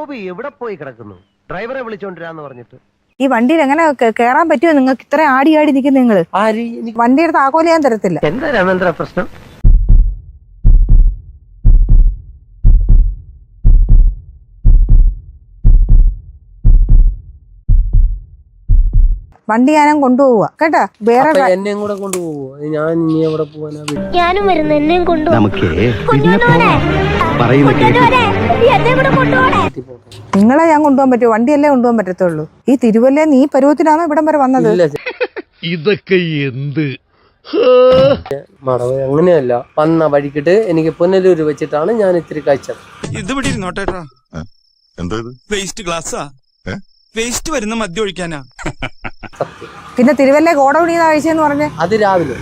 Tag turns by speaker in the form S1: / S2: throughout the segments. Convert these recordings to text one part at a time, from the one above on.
S1: ഗോപി എവിടെ പോയി കിടക്കുന്നു? ഡ്രൈവറെ വിളിച്ചോണ്ടിരാന്ന് പറഞ്ഞിട്ട്.
S2: ഈ വണ്ടിയിൽ എങ്ങനെ കേറാൻ പറ്റുമോ നിങ്ങൾക്ക്? ഇത്ര ആടി നിൽക്കുന്ന നിങ്ങള്? വണ്ടിയുടെ താക്കോല് ഞാൻ തരത്തില്ല.
S1: എന്താ രാമേന്ദ്ര പ്രശ്നം?
S2: വണ്ടി ഞാനും കൊണ്ടുപോവുക കേട്ടാ. വേറെ
S3: എന്നെയും കൂടെ കൊണ്ടുപോകുമോ? ഞാൻ ഇനി എവിടെ പോവാനാ?
S4: ഞാനും വരുന്നു, എന്നെയും കൊണ്ടുപോകും.
S2: നിങ്ങളെ ഞാൻ കൊണ്ടുപോകാൻ പറ്റുമോ? വണ്ടിയല്ലേ കൊണ്ടുപോകാൻ പറ്റത്തുള്ളൂ. ഈ തിരുവല്ല നീ പരുവത്തിനാണോ ഇവിടം വരെ വന്നത്?
S5: ഇതൊക്കെ എന്ത്
S3: മടവ് അങ്ങനെയല്ല. വന്ന വഴിക്കിട്ട് എനിക്ക് പുനലൂര് വെച്ചിട്ടാണ് ഞാൻ ഇത്തിരി കഴിച്ചത്.
S6: ഇത് ഇവിടെ ഇരുന്നോട്ടേട്ടാ. വേസ്റ്റ് ഗ്ലാസ്സാ. വേസ്റ്റ് വരുന്ന മദ്യം ഒഴിക്കാനാ.
S2: പിന്നെ തിരുവല്ല ഗോഡൌണിന്ന് കഴിച്ചെന്ന് പറഞ്ഞേ?
S3: അത് രാവിലെ.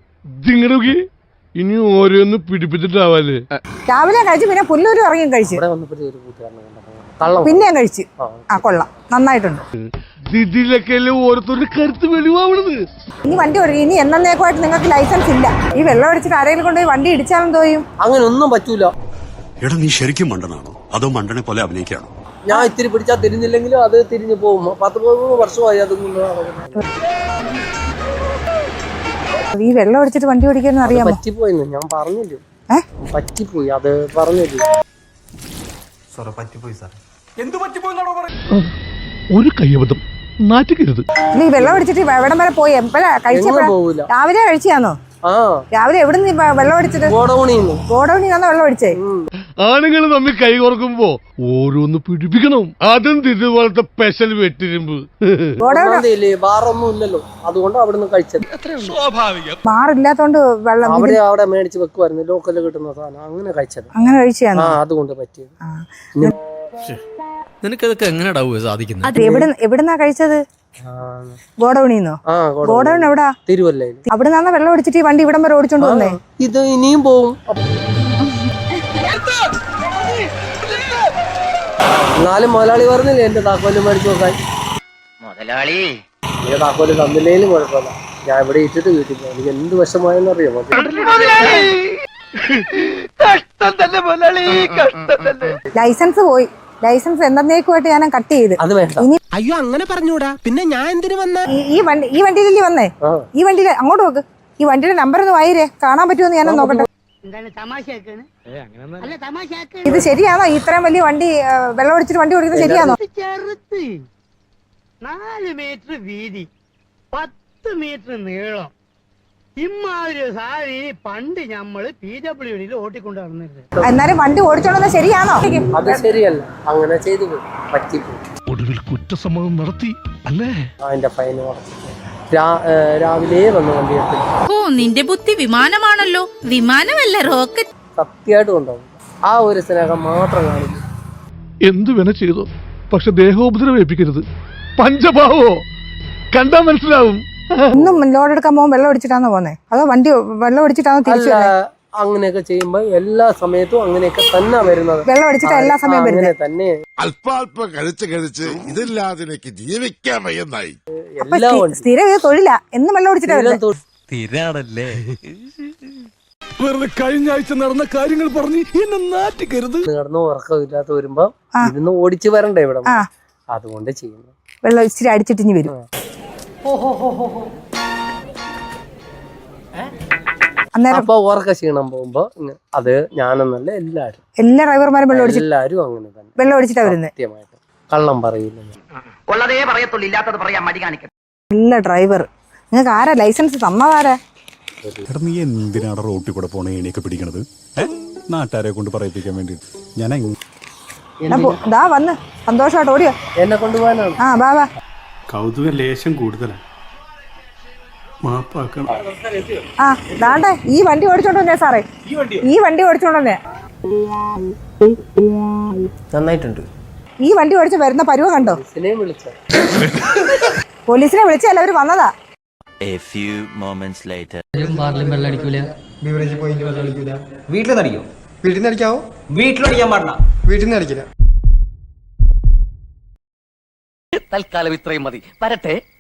S5: ഇനി ഓരോന്ന് പിടിപ്പിച്ചിട്ടാവാല്ലേ?
S2: രാവിലെ കഴിച്ചു, പിന്നെ പുല്ലൂര് ഇറങ്ങിയും കഴിച്ചു,
S3: ഇവിടെ വന്നപ്പോ ഒരു കൂട്ടുകാരനെ
S2: പിന്നെയും കഴിച്ചു. ആ കൊള്ളാം, നന്നായിട്ടുണ്ട്.
S5: ഇതിലൊക്കെ ഓരോരുത്തരുടെ കരുത്ത് വെളിവാവണത്.
S2: ഇനി വണ്ടി ഓടിക്കും. ഇനി എന്നേക്കുമായിട്ട് നിങ്ങൾക്ക് ലൈസൻസ് ഇല്ല. ഈ വെള്ളം അടിച്ചിട്ട് ആരെങ്കിലും കൊണ്ടുപോയി വണ്ടി ഇടിച്ചാലും തോന്നും.
S3: അങ്ങനെ ഒന്നും പറ്റൂല.
S7: എടാ നീ ശരിക്കും മണ്ടനാണോ അതോ മണ്ടനെ പോലെ അഭിനയിക്കാണോ?
S3: ഞാൻ ഇത്തിരി പിടിച്ചാൽ തിരിഞ്ഞില്ലെങ്കിലും അത് തിരിഞ്ഞു പോകും. 10-13 വർഷമായി അത്.
S2: ഈ വെള്ളം അടിച്ചിട്ട് വണ്ടി ഓടിക്കാൻ അറിയാമോ?
S3: പറ്റിപ്പോയിന്ന് ഞാൻ പറഞ്ഞില്ലേ. പറ്റിപ്പോയി, അത് പറഞ്ഞില്ലേ.
S5: ഒരു കയ്യബദ്ധം നാറ്റിക്കരുത്.
S2: ഈ വെള്ളം അടിച്ചിട്ട് എവിടം വരെ പോയി? എപ്പോഴാ കഴിച്ചപ്പോ? രാവിലെ കഴിച്ചാന്നോ? രാവിലെ എവിടെ നിന്ന് വെള്ളം അടിച്ചിട്ട്? ഗോഡൌണിന്നാണോ വെള്ളം അടിച്ചേ?
S5: ആണുങ്ങൾ തമ്മിൽ കൈ കുറക്കുമ്പോ ഓരോന്ന് പിടിപ്പിക്കണം. അതും ഇതുപോലത്തെ സ്പെഷ്യൽ വെട്ടിരുമ്പ്.
S3: ബാറൊന്നും ഇല്ലല്ലോ, അതുകൊണ്ട് അവിടുന്ന് കഴിച്ചത്.
S2: മാറില്ലാത്തോണ്ട് വെള്ളം
S3: അവിടെ മേടിച്ച് വെക്കുമായിരുന്നു, ലോക്കലിൽ കിട്ടുന്ന സാധനം. അങ്ങനെ കഴിച്ചത്.
S2: അങ്ങനെ കഴിച്ചാണ്
S3: അതുകൊണ്ട് പറ്റിയത്.
S8: നിനക്കതൊക്കെ എങ്ങനെയാ സാധിക്കുന്നത്?
S2: എവിടുന്നാ കഴിച്ചത്? ഗോഡൌണിന്നോ? ഗോഡൌൺ എവിടാ?
S3: തിരുവല്ലയിൽ.
S2: അവിടെ നിന്നാ വെള്ളം അടിച്ചിട്ട് ഈ വണ്ടി ഇവിടം വരെ ഓടിച്ചോണ്ട് വന്നേ?
S3: ഇത് ഇനിയും പോവും. എന്നാലും മുതലാളി പറഞ്ഞില്ലേ എന്റെ താക്കോല് മേടിച്ചു നോക്കാൻ.
S1: മുതലാളി
S3: എന്റെ താക്കോല് തന്നില്ലേലും കുഴപ്പമില്ല, ഞാൻ ഇവിടെ ഇട്ടിട്ട് വീട്ടിൽ പോകും. എനിക്ക് എന്ത് വിഷമായെന്ന് അറിയാമോ?
S2: ലൈസൻസ് പോയി. ലൈസൻസ് എന്നേക്കുമായിട്ട് ഞാൻ കട്ട് ചെയ്ത്.
S3: അത് വേണ്ട.
S1: അയ്യോ അങ്ങനെ പറഞ്ഞൂടാ. പിന്നെ ഞാൻ എന്തിനു വന്ന?
S2: ഈ വണ്ടിയിലല്ലേ വന്നേ? ഈ വണ്ടിയിൽ അങ്ങോട്ട് നോക്ക്. ഈ വണ്ടിയുടെ നമ്പർ ഒന്ന് വായിരേ, കാണാൻ പറ്റുമെന്ന് ഞാനൊന്ന് നോക്കട്ടെ. ഇത് ശരിയാണോ? ഇത്രയും വലിയ വണ്ടി വെള്ളം ഒഴിച്ചിട്ട് വണ്ടി ഓടിക്കുന്നത് ശരിയാണോ?
S1: 4 മീറ്റർ വീതി, 10 മീറ്റർ നീളം. ഇമ്മാതിരി സാരി പണ്ട് ഞമ്മള് PWD ഓട്ടിക്കൊണ്ട് നടന്നിരുന്നത്.
S2: എന്നാലും വണ്ടി ഓടിച്ചോളുന്നത് ശരിയാണോ?
S3: അത് ശരിയല്ല, അങ്ങനെ ചെയ്തു പറ്റിപ്പോയി.
S5: ഒടുവിൽ കുറ്റസമ്മതം നടത്തി അല്ലേ?
S3: അതിന്റെ ഫൈൻ രാവിലെ വന്ന് വണ്ടി എടുത്തു.
S4: ഓ, നിന്റെ ബുദ്ധി വിമാനമാണല്ലോ. വിമാനമല്ല, റോക്കറ്റ്.
S3: സത്യമായിട്ട് കൊണ്ടുപോകും. ആ ഒരു സ്നേഹം മാത്രം കാണിക്കും.
S5: എന്തു വേണ ചെയ്തോ, പക്ഷെ ദേഹോപദ്രവം ഏൽപ്പിക്കരുത്. പഞ്ചഭാവോ കണ്ടാ മനസ്സിലാവും.
S2: ഇന്നും ലോഡ് എടുക്കാൻ പോകുമ്പോൾ വെള്ളം അടിച്ചിട്ടാണോ പോന്നെ? അതോ വണ്ടി വെള്ളം അടിച്ചിട്ടാണോ തിരിച്ചു?
S3: അങ്ങനെയൊക്കെ ചെയ്യുമ്പോ എല്ലാ സമയത്തും അങ്ങനെയൊക്കെ തന്നെ വരുന്നത്.
S2: വെള്ളം അടിച്ചിട്ട് എല്ലാ സമയം വരുന്നത്
S3: തന്നെ.
S7: അല്പാൽപ്പം കഴിച്ച് ഇതില്ലാതെ എനിക്ക് ജീവിക്കാൻ വയ്യെന്നായി.
S2: സ്ഥിരം ഇത് തൊഴിലാ. എന്നും വെള്ളം അടിച്ചിട്ടാ വരുന്നത്.
S8: സ്ഥിരാണല്ലേ?
S5: വെറുതെ കഴിഞ്ഞ ആഴ്ച നടന്ന കാര്യങ്ങൾ പറഞ്ഞ് എന്നെ നാറ്റിക്കരുത്.
S3: കിടന്ന് ഉറക്കമില്ലാത്ത വരുമ്പോ ഇരുന്ന് ഓടിച്ചു വരണ്ടേ ഇവിടെ, അതുകൊണ്ട് ചെയ്യുന്നു.
S2: വെള്ളം ഇച്ചിരി അടിച്ചിട്ടിഞ്ഞ് വരും.
S3: അപ്പൊ ഉറക്ക ക്ഷീണം പോകുമ്പോ അത് ഞാനെന്നല്ല
S2: എല്ലാ ഡ്രൈവർമാരും
S3: എല്ലാരും അങ്ങനെ തന്നെ
S2: വെള്ളം അടിച്ചിട്ടാ വരുന്നത്.
S3: സത്യമായിട്ട് കള്ളം പറയില്ല.
S1: ഉള്ളതേ പറയത്തുള്ളൂ, ഇല്ലാത്തത് പറയാൻ മടി കാണിക്കും.
S2: എല്ലാ ഡ്രൈവർ നിങ്ങൾക്ക് ആരാ ലൈസൻസ് തന്നതാരാ?
S7: നീ എന്തിനാണ് റോട്ടിൽ കൂടെ പോണ ഏണിയൊക്കെ പിടിക്കണത്? നാട്ടുകാരെ കൊണ്ട് പറയിപ്പിക്കാൻ വേണ്ടി. ഞാൻ
S2: ദാ വന്ന് സന്തോഷമായിട്ട് ഓടിയോ?
S3: എന്നെ കൊണ്ടുപോകാനാണ്.
S2: ബാബാ
S7: കൗതുക ലേശം കൂടുതലാണ്. മാപ്പാക്കണം.
S2: ദാണ്ടേ ഈ വണ്ടി ഓടിച്ചോണ്ട് വന്നേ സാറേ. ഈ വണ്ടി ഓടിച്ചോണ്ട് വന്നേ.
S3: നന്നായിട്ടുണ്ട്.
S2: ഈ വണ്ടി ഓടിച്ച് വരുന്ന പരുവ കണ്ടോ? പോലീസിനെ വിളിച്ചല്ല അവര് വന്നതാ.
S8: A few moments later.
S9: വീട്ടിലടിക്കോ? വീട്ടിൽ നിന്ന് അടിക്കാവോ? വീട്ടിലടിക്കാൻ പാടില്ല. വീട്ടിൽ നിന്ന് അടിക്കില്ല.
S1: തൽക്കാലം ഇത്രയും മതി. വരട്ടെ.